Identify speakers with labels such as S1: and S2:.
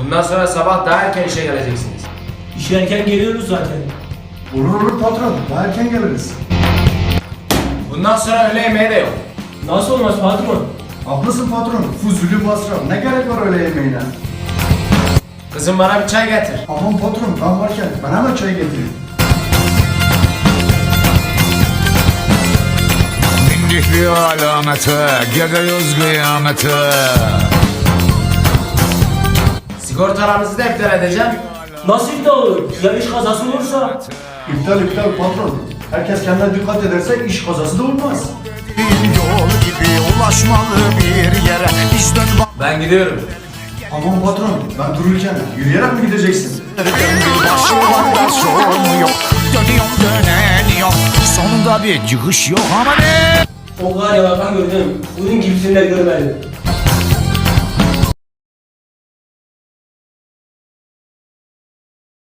S1: Bundan sonra sabah daha erken işe geleceksiniz.
S2: İşe erken geliyoruz zaten.
S3: Olur patron, daha erken geliriz.
S1: Bundan sonra öğle yemeği de yok.
S2: Nasıl olmaz patron?
S3: Haklısın patron, fuzuli masraf. Ne gerek var öyle yemeğine?
S1: Kızım bana bir çay getir.
S3: Aman patron, ben varken ben hemen çay getireyim.
S4: Bindik bir alamete, gidiyoruz kıyamete.
S1: Sigortalarınızı da iptal edeceğim.
S2: Nasıl iptal olur? Güzel iş kazası olursa.
S3: İptal patron. Herkes kendine dikkat ederse iş kazası da olmaz.
S4: Bir yol gibi ulaşmalı bir yere. Biz dön
S1: Ben gidiyorum.
S3: Aman patron, ben dururken yürüyerek mi gideceksin?
S4: başımda sorun yok. Dönüyorum döneniyorum. Sonunda bir çıkış yok ama ne?
S2: O kadar yalan gördüm. Bunun gibisini de görmedim.